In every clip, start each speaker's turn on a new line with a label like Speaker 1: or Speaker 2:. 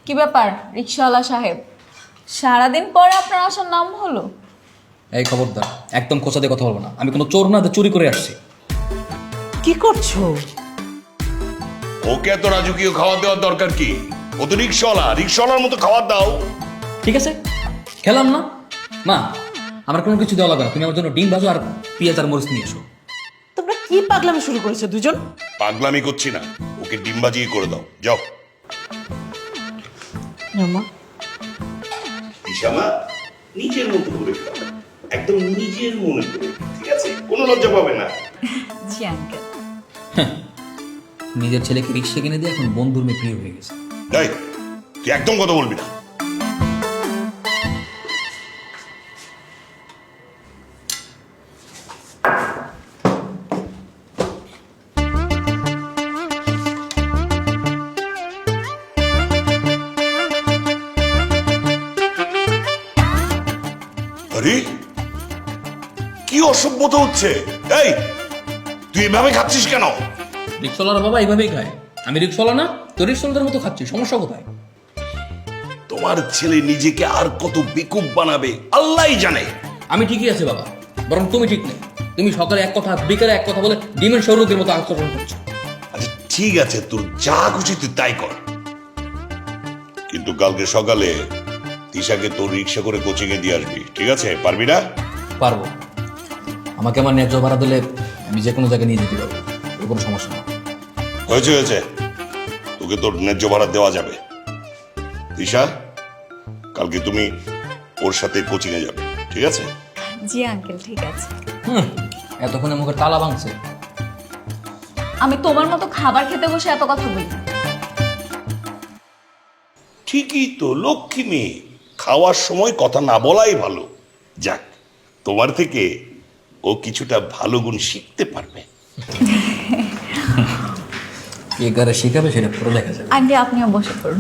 Speaker 1: কি ব্যাপার রিকশাওয়ালা সাহেব, সারাদিন পরে আপনার আসার নাম হলো?
Speaker 2: এই খবরদার, একদম খোঁচা দিয়ে কথা বলবো না। আমি কোনো চোর না, যে চুরি করে আসছি।
Speaker 3: কি করছো?
Speaker 4: ওকে এত রাজকীয় খাবার দেওয়ার দরকার কি? ও তো রিক্সাওয়ালার মতো খাবার দাও।
Speaker 2: ঠিক আছে, খেলাম না। মা, আমার কোনো কিছু দেওয়া লাগবে না। তুমি আমার জন্য ডিম ভাজো আর পেঁয়াজ আর মরিচ নিয়ে এসো।
Speaker 3: তোমরা কি পাগলামি শুরু করেছো দুজন?
Speaker 4: পাগলামি করছি না, ওকে ডিম বাজিয়ে করে দাও, যাও।
Speaker 3: মা,
Speaker 4: ইশামা নিজের মতো করে খাও, একদম নিজের মনে করে, ঠিক আছে? কোনো লজ্জা পাবে না।
Speaker 1: জি আঙ্কেল।
Speaker 2: নিজের ছেলেকে রিক্সা কিনে দিয়ে এখন বন্ধুর মেয়ে প্রিয় হয়ে গেছে।
Speaker 4: এই, তুই একদম কথা বলবি না। আরে কি অসভ্যতা হচ্ছে? এই, তুই এভাবে খাচ্ছিস কেন?
Speaker 2: রিক্সাওয়ালার বাবা এইভাবেই খায়। আমি রিক্সাওয়ালা না, তো রিক্সাওয়ালাদের মতো খাচ্ছি। সমস্যা কোথায়?
Speaker 4: তোমার ছেলে নিজেকে আর কত বেকুব বানাবে আল্লাহই জানে।
Speaker 2: আমি ঠিকই আছে বাবা, বরং তুমি ঠিক নেই। তুমি সকালে এক কথা বিকালে এক কথা বলে ডিমের সৌরকের মতো আচরণ করছো।
Speaker 4: আচ্ছা ঠিক আছে, তোর যা খুশি তুই তাই কর, কিন্তু কালকে সকালে তিশাকে তোর রিক্সা করে কোচিং এ দিয়ে আসবি, ঠিক আছে? পারবি না?
Speaker 2: পারবো। আমাকে আমার ন্যায্য ভাড়া দিলে আমি যে কোনো জায়গায় নিয়ে যেতে পারবো, এর কোনো সমস্যা না।
Speaker 4: হয়েছে হয়েছে, তোকে তোর ন্যায্য ভাড়া দেওয়া যাবে। তিশা, কালকে তুমি ওর সাথে কোচিং এ যাবে, ঠিক আছে?
Speaker 1: জি আঙ্কেল, ঠিক আছে।
Speaker 2: এতক্ষণে মুখের তালা ভাঙছে।
Speaker 1: আমি তোমার মতো খাবার খেতে বসে এত কথা বলি না।
Speaker 4: ঠিকই তো, লক্ষ্মী মেয়ে, খাওয়ার সময় কথা না বলাই ভালো। যাক, তোমার থেকে ও কিছুটা ভালো গুণ শিখতে পারবে।
Speaker 2: কে কারে শেখাবে সেটা পুরো দেখা যাবে।
Speaker 1: আন্টি আপনিও বসে পড়ুন।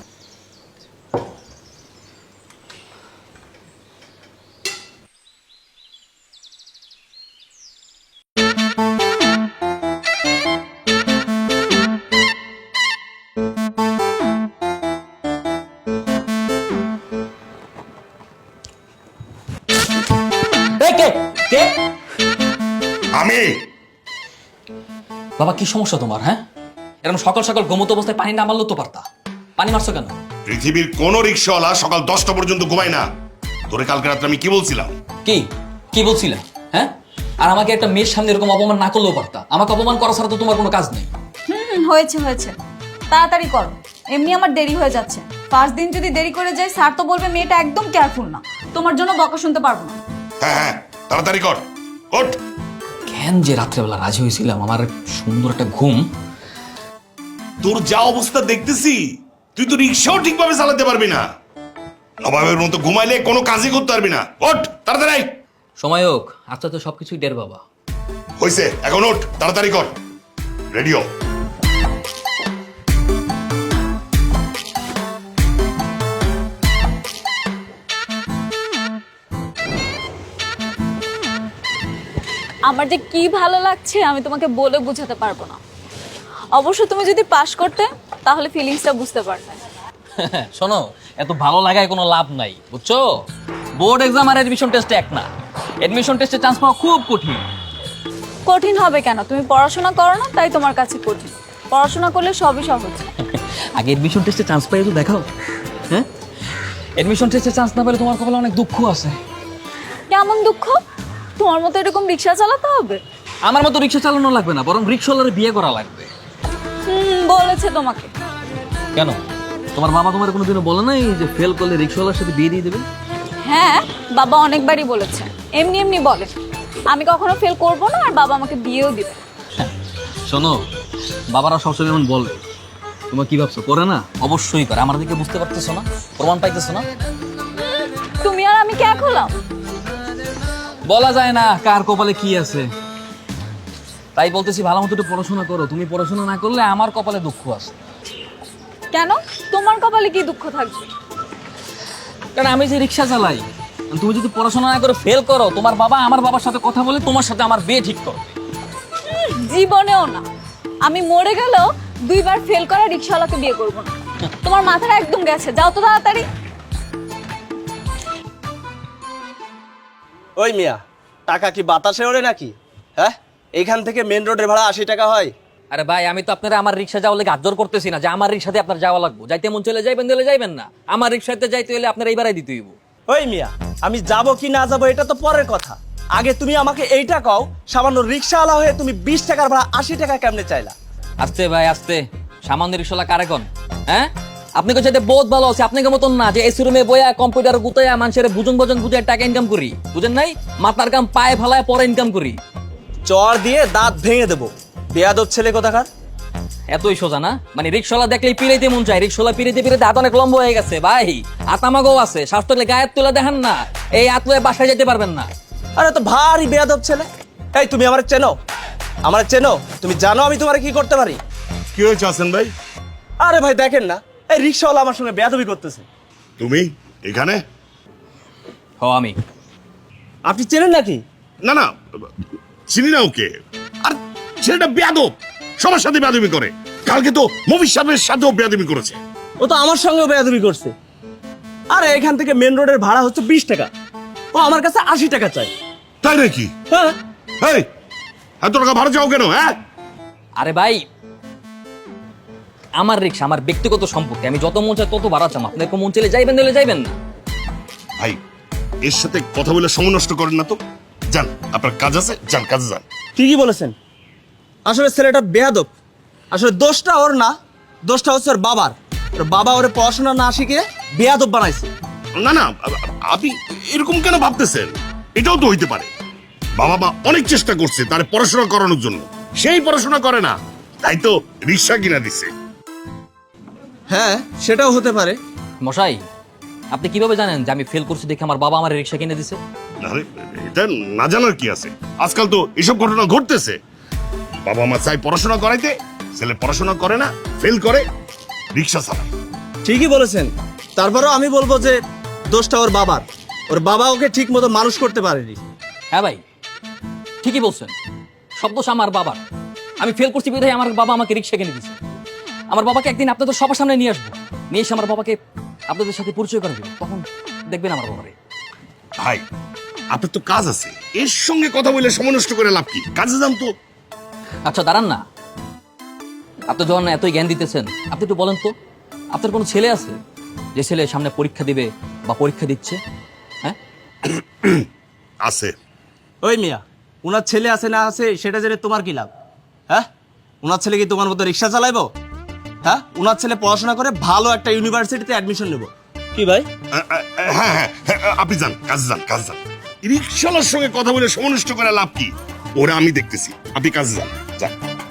Speaker 2: এই কে কে?
Speaker 4: আমি
Speaker 2: বাবা, কি সমস্যা তোমার? হ্যাঁ, এরকম সকাল সকাল ঘুমতো অবস্থায় পানি না মারলেও তো পারতা। পানি মারছো কেন?
Speaker 4: পৃথিবীর কোন রিক্সাওয়ালা সকাল 10টা পর্যন্ত ঘুমায় না। তোরে কালকে রাত্রে আমি কি বলছিলাম?
Speaker 2: কি কি বলছিলা? হ্যাঁ, আর আমাকে একটা মেয়ের সামনে এরকম অপমান না করলেও পারতা। আমাকে অপমান করা ছাড়া তো তোমার কোনো কাজ নেই।
Speaker 1: হয়েছে হয়েছে, তাড়াতাড়ি করো, এমনি আমার দেরি হয়ে যাচ্ছে। 5 দিন যদি দেরি করে যাই স্যার তো বলবে মেয়েটা একদম কেয়ারফুল না। তোমার জন্য বকা শুনতে পারবো না।
Speaker 4: হ্যাঁ হ্যাঁ, তাড়াতাড়ি কর, ওঠ।
Speaker 2: কেন যে রাত্রেবেলা রাজি হয়েছিলাম, আমার সুন্দর একটা ঘুম।
Speaker 4: তোর যা অবস্থা দেখতেছি, তুই তো রিক্সাও ঠিকভাবে চালাতে পারবি না। নবাবের মতো ঘুমাইলে কোনো কাজই করতে পারবি না। ওঠ তাড়াতাড়ি।
Speaker 2: সময় হোক, আচ্ছা তো সবকিছুই ডের বাবা।
Speaker 4: হয়েছে, এখন ওঠ, তাড়াতাড়ি কর, রেডিও।
Speaker 1: আমার যে কি ভালো লাগছে আমি তোমাকে বলে বোঝাতে পারবো না। অবশ্য তুমি যদি পাশ করতে তাহলে ফিলিংসটা বুঝতে পারতে।
Speaker 2: শোনো, এত ভালো লাগায় কোনো লাভ নাই, বুঝছো? বোর্ড এক্সাম আর এডমিশন টেস্টে এক না। এডমিশন টেস্টে চান্স পাওয়া খুব কঠিন।
Speaker 1: কঠিন হবে কেন? তুমি পড়াশোনা করো না তাই তোমার কাছে কঠিন। পড়াশোনা করলে সবই সহজ।
Speaker 2: আগে এডমিশন টেস্টে চান্স পাই তো দেখাও। হ্যাঁ, এডমিশন টেস্টে চান্স না পেলে তোমার কপালে অনেক দুঃখ আছে।
Speaker 1: কেমন দুঃখ? তোমার মতো এরকম রিক্সা চালাতে হবে?
Speaker 2: আমার মতো রিক্সা চালানো লাগবে না, বরং রিক্সাওয়ালার বিয়ে করা লাগবে।
Speaker 1: বলেছে তোমাকে?
Speaker 2: কেন, তোমার বাবা তোমার কোনোদিনও বলে নাই যে ফেল করলে রিক্সাওয়ালার সাথে বিয়ে দিয়ে দেবে?
Speaker 1: হ্যাঁ, বাবা অনেকবারই বলেছে, এমনি এমনি বলে। আমি কখনো ফেল করব না, আর বাবা আমাকে বিয়েও দিবে।
Speaker 2: শোনো, বাবারা সবসময় এমন বলে, তোমার কি ভাবছো করে না? অবশ্যই করে। আমার দিকে বুঝতে পারতেছো না? প্রমাণ পাইতেছো না?
Speaker 1: তুমি আর আমি কে হলাম?
Speaker 2: বলা যায় না কার কপালে কি আছে। তাই বলতেছি, ভালো মতো একটু পড়াশোনা করো। তুমি পড়াশোনা না করলে আমার কপালে দুঃখ আছে।
Speaker 1: কেন? তোমার কপালে কি দুঃখ থাকবে?
Speaker 2: কারণ আমি যে রিক্সা চালাই, তুমি যদি পড়াশোনা না করে ফেল করো, তোমার বাবা আমার বাবার সাথে কথা বলে তোমার সাথে আমার বিয়ে ঠিক করবে।
Speaker 1: জীবনেও না। আমি মরে গেলেও 2বার ফেল করা রিক্সাওয়ালাকে বিয়ে করবো না। তোমার মাথাটা একদম গেছে, যাও তো তাড়াতাড়ি।
Speaker 5: ওই মিয়া, টাকা কি বাতাসে ওড়ে নাকি? হ্যাঁ, এইখান থেকে মেন রোডের ভাড়া 80 টাকা হয়।
Speaker 2: আরে ভাই, আমি তো আপনারা আমার রিক্সা যাওয়ার লেগে আজ্জর করতেছি না যে আমার রিক্সাতে আপনার যাওয়া লাগবে। যাইতে মন চলে যাইবেন, দিলে যাইবেন না। আমার রিক্সাতে যাইতে হলে আপনার এইবারাই দিতে হইব।
Speaker 5: ওই মিয়া, আমি যাব কি না যাব এটা তো পরের কথা। আগে তুমি আমাকে এইটা কও, সামান্য রিক্সাওয়ালা হয়ে তুমি 20 টাকার ভাড়া 80 টাকা কেমনে চাইলা?
Speaker 2: আস্তে ভাই আস্তে, সামান্য রিক্সাওয়ালা কারে কোন? হ্যাঁ, আপনি কাছে বহুত ভালো আছে। আপনাকে মতন না যে এসি রুমে বইয়া কম্পিউটার গুতাইয়া মানুষের বুঝন বুঝে টাকা ইনকাম করি, বুঝেন নাই? মাথার কাম পায়ে ফেলায় পরে ইনকাম করি।
Speaker 5: চর দিয়ে দাঁত ভেঙে দেবো, বেয়াদব ছেলে কোথাকার।
Speaker 2: এতই সোজা না? মানে রিক্সাওয়ালা দেখলেই পিড়াইতে মন চায়। রিক্সাওয়ালা পিড়াইতে হাত অনেক লম্বা হয়ে গেছে ভাই। আতামাগো আছে, শ্বাস থাকলে গায়ের তুলে দেখেন না। এই আতলে বাসায় যেতে পারবেন না।
Speaker 5: আরে তো ভারী বেয়াদব ছেলে। এই তুমি আমার চেনো? আমার চেনো? তুমি জানো আমি তোমার কি করতে পারি?
Speaker 4: কি হয়েছে হাসান ভাই?
Speaker 5: আরে ভাই দেখেন না, এই রিক্সাওয়ালা আমার সঙ্গে বেয়াদবি করতেছে।
Speaker 4: তুমি এখানে?
Speaker 2: হ, আমি।
Speaker 5: আপনি চেনেন নাকি?
Speaker 4: না না, চিনি না ওকে। আর ছেলেটা বেয়াদব, সবার সাথে বেয়াদবি করে। কালকে তো মফিজ সাহেবের সাথেও বেয়াদবি করেছে।
Speaker 5: ও তো আমার সঙ্গেও বেয়াদবি করছে। আরে এখান থেকে মেন রোডের ভাড়া হচ্ছে 20 টাকা, ও আমার কাছে 80 টাকা চাই।
Speaker 4: তাই নাকি?
Speaker 5: হ্যাঁ।
Speaker 4: এই, এত টাকা ভাড়া চাও কেন? হ্যাঁ,
Speaker 2: আরে ভাই, আমার রিক্সা আমার ব্যক্তিগত সম্পত্তি। আমি যত মন চাই তত ভাড়া চাম। আপনার মন চলে যাইবেন, দিলে যাইবেন না।
Speaker 4: ভাই এর সাথে কথা বলে সময় নষ্ট করেন না তো। যান, আপনার কাজ আছে, যান কাজে যান।
Speaker 5: ঠিকই বলেছেন, আসলে ছেলেটা বেয়াদব। আসলে দোষটা ওর না, দোষটা হচ্ছে ওর বাবার। ওর বাবা ওরে পড়াশোনা না শিখে বেয়াদব বানাইছে।
Speaker 4: না না, আপনি এরকম কেন ভাবতেছেন? এটাও তো হইতে পারে বাবা মা অনেক চেষ্টা করছে তার পড়াশোনা করানোর জন্য, সেই পড়াশোনা করে না, তাই তো রিক্সা কিনা দিছে।
Speaker 5: হ্যাঁ, সেটাও হতে পারে।
Speaker 2: মশাই, আপনি কিভাবে জানেন যে আমি ফেল করছি দেখে আমার বাবা আমার রিক্সা কিনে দিছে?
Speaker 4: আরে, এটা না জানার কি আছে? আজকাল তো এসব ঘটনা ঘটতেছে। বাবা মা চাই পড়াশোনা করাইতে, ছেলে পড়াশোনা করে না, ফেল করে, রিক্সা চালায়।
Speaker 5: ঠিকই বলেছেন, তারপরেও আমি বলবো যে দোষটা ওর বাবার। ওর বাবা ওকে ঠিক মতো মানুষ করতে পারেনি।
Speaker 2: হ্যাঁ ভাই, ঠিকই বলছেন। সব দোষ আমার বাবার। আমি ফেল করছি বিধায় আমার বাবা আমাকে রিক্সা কিনে দিছে। আমার বাবাকে একদিন আপনাদের সবার সামনে নিয়ে আসবো, নিয়ে এসে আমার বাবাকে আপনাদের সাথে পরিচয় করে দেবো। তখন দেখবেন আমার বাবারে।
Speaker 4: ভাই আপনার তো কাজ আছে, এর সঙ্গে কথা বলে সময় নষ্ট করে লাভ কি? কাজে যান তো।
Speaker 2: আচ্ছা দাঁড়ান না, আপনি যখন এতই জ্ঞান দিতেছেন, আপনি একটু বলেন তো, আপনার কোনো ছেলে আছে যে ছেলে সামনে পরীক্ষা দিবে বা পরীক্ষা দিচ্ছে? হ্যাঁ,
Speaker 4: আছে।
Speaker 5: ওই মিয়া, ওনার ছেলে আছে না আছে সেটা জেনে তোমার কি লাভ? হ্যাঁ, ওনার ছেলে কি তোমার মতো রিক্সা চালাইবো? হ্যাঁ, ওনার ছেলে পড়াশোনা করে ভালো একটা ইউনিভার্সিটিতে অ্যাডমিশন নেব। কি ভাই?
Speaker 4: হ্যাঁ হ্যাঁ হ্যাঁ, আপনি যান, কাজে যান, কাজে যান। রিক্সাওয়ালার সঙ্গে কথা বলে সময় নষ্ট করে লাভ কি? ওরা আমি দেখতেছি, আপনি কাজে যান, যান।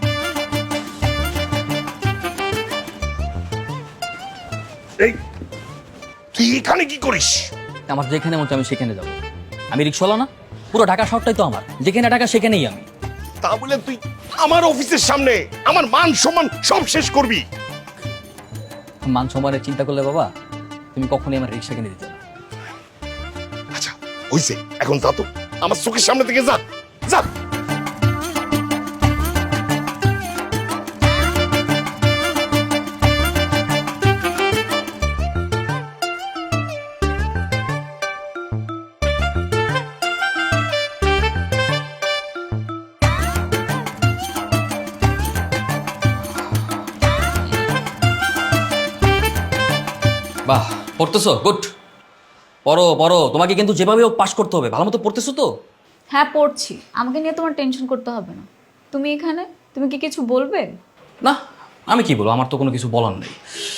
Speaker 4: এই, তুই এখানে কি করিস?
Speaker 2: আমার যেখানে মন চায় আমি সেখানে যাবো। আমি রিক্সাওয়ালা না, পুরো ঢাকা শহরটাই তো আমার। যেখানে ঢাকা সেখানেই আমি।
Speaker 4: তা বলে তুই আমার অফিসের সামনে আমার মান সম্মান সব শেষ করবি?
Speaker 2: মান সম্মানের চিন্তা করলে বাবা, তুমি কখনোই আমার রিক্সা কিনে দিতে না।
Speaker 4: আচ্ছা হইছে, এখন যা তো, আমার চোখের সামনে থেকে যা, যা।
Speaker 2: বাহ, পড়তেছো? গুড, পড়ো পড়ো। তোমাকে কিন্তু যেভাবে হোক পাস করতে হবে। ভালো মতো পড়তেছো তো?
Speaker 1: হ্যাঁ পড়ছি, আমাকে নিয়ে তোমার টেনশন করতে হবে না। তুমি এখানে, তুমি কি কিছু বলবে?
Speaker 2: না, আমি কি বলবো? আমার তো কোনো কিছু বলার নেই।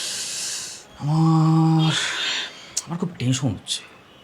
Speaker 2: আমার খুব টেনশন হচ্ছে।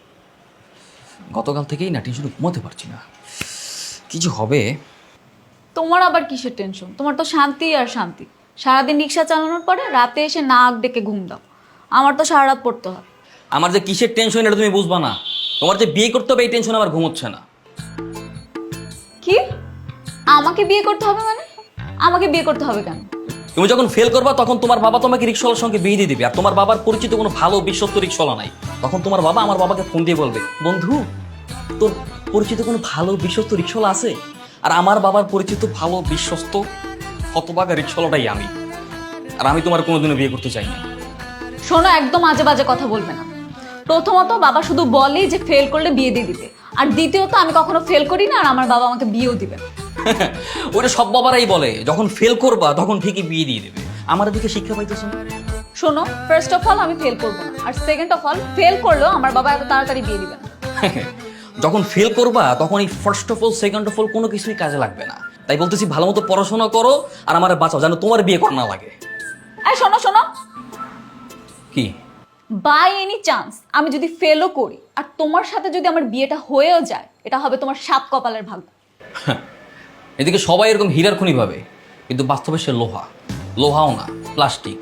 Speaker 2: গতকাল থেকেই না টেনশনে ঘুমাতে পারছি না। কি যে হবে।
Speaker 1: তোমার আবার কিসের টেনশন? তোমার তো শান্তি আর শান্তি। সারাদিন রিক্সা চালানোর পরে রাতে এসে নাক ডেকে ঘুম দাও। আমার তো সারা রাত পড়তে হয়।
Speaker 2: আমার যে কিসের টেনশন এটা তুমি বুঝবা না। তোমার যে বিয়ে করতে হবে এই টেনশন আমার ঘুমোচ্ছে না।
Speaker 1: কি? আমাকে বিয়ে করতে হবে মানে? আমাকে বিয়ে করতে হবে কেন?
Speaker 2: তুমি যখন ফেল করবা তখন তোমার বাবা তোমাকে রিক্সাওয়ালার সঙ্গে বিয়ে দিয়ে দিবে। আর তোমার বাবার পরিচিত কোনো ভালো বিশ্বস্ত রিক্সাওয়ালা নাই। তখন তোমার বাবা আমার বাবাকে ফোন দিয়ে বলবে, বন্ধু তোর পরিচিত কোনো ভালো বিশ্বস্ত রিক্সাওয়ালা আছে? আর আমার বাবার পরিচিত ভালো বিশ্বস্ত হতভাগা রিক্সাওয়ালাটাই আমি। আর আমি তোমার কোনোদিনও বিয়ে করতে চাই না।
Speaker 1: শোনো, একদম আজে বাজে কথা বলবে না। প্রথমত বাবা শুধু বলেই যে ফেল করলে বিয়ে দিয়ে দিবে, আর দ্বিতীয়ত আমি কখনো ফেল করি না, আর আমার বাবা আমাকে বিয়েও দিবে না।
Speaker 2: ওটা সব বাবারাই বলে, যখন ফেল করবা তখন ঠিকই বিয়ে দিয়ে দেবে। আমার দিকে শিক্ষা পাইতেছো না?
Speaker 1: শোনো, ফার্স্ট অফ অল আমি ফেল করবো না, আর সেকেন্ড অফ অল ফেল করলেও আমার বাবা এত তাড়াতাড়ি বিয়ে দিবে না।
Speaker 2: যখন ফেল করবা তখন এই first of all second of all কোনো কিছুই কাজে লাগবে না। তাই বলতেছি ভালো মতো পড়াশোনা করো আর আমার বাঁচাও, যেন তোমার বিয়ে করা না লাগে।
Speaker 1: এই শোনো শোনো,
Speaker 2: কি?
Speaker 1: বাই এনি চান্স আমি যদি ফেলও করি আর তোমার সাথে যদি আমার বিয়েটা হয়েও যায়, এটা হবে তোমার সাত কপালের ভাগ্য।
Speaker 2: এদিকে সবাই এরকম হীরার খনি ভাবে, কিন্তু বাস্তবে সে লোহা। লোহাও না, প্লাস্টিক।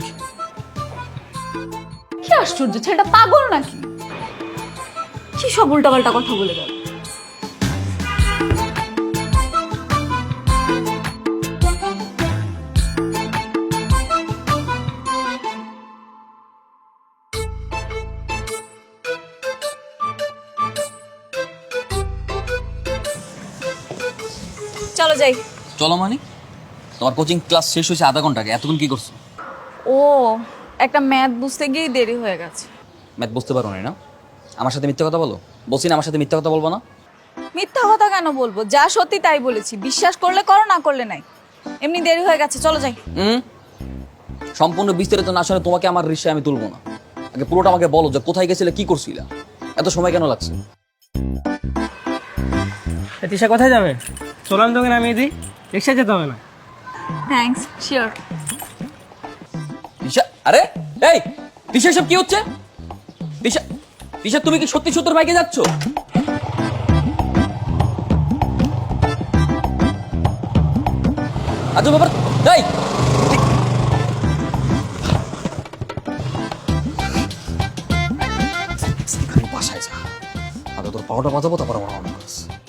Speaker 1: কি আশ্চর্য, ছেলেটা পাগল নাকি? কি সব উল্টাপাল্টা কথা বলে গেল। চলো যাই।
Speaker 2: চলো মানে? তোমার কোচিং ক্লাস শেষ হয়েছে আধা ঘন্টা আগে, এতক্ষণ কি করছো?
Speaker 1: ও, একটা ম্যাথ বুঝতে গিয়েই দেরি হয়ে গেছে।
Speaker 2: ম্যাথ বুঝতে পারো না? আমার সাথে মিথ্যা কথা বলো? বলছি না আমার সাথে মিথ্যা কথা বলবো না।
Speaker 1: মিথ্যা কথা কেন বলবো? যা সত্যি তাই বলেছি, বিশ্বাস করলে করো, না করলে নাই। এমনি দেরি হয়ে গেছে, চলো যাই।
Speaker 2: সম্পূর্ণ বিস্তারিত না শুনে তোমাকে আমার রিক্সায় আমি তুলবো না। আগে পুরোটা আমাকে বলো যে কোথায় গেছিলে, কি করছিলা, এত সময় কেন লাগছে?
Speaker 6: তিশা কোথায় যাবে? চলাম তোকে নামিয়ে দিই, রিক্সা যেতে হবে না।
Speaker 1: Thanks, sure.
Speaker 2: তিশা, আরে এই তিশা, সব কি হচ্ছে? তিশা, তিশা তুমি কি সত্যি সত্যি বাইকে যাচ্ছ? আচ্ছা ব্যাপার, এই বাসায় যা, আগে তোর পাওয়াটা বাজাবো, তারপর আমার অনেক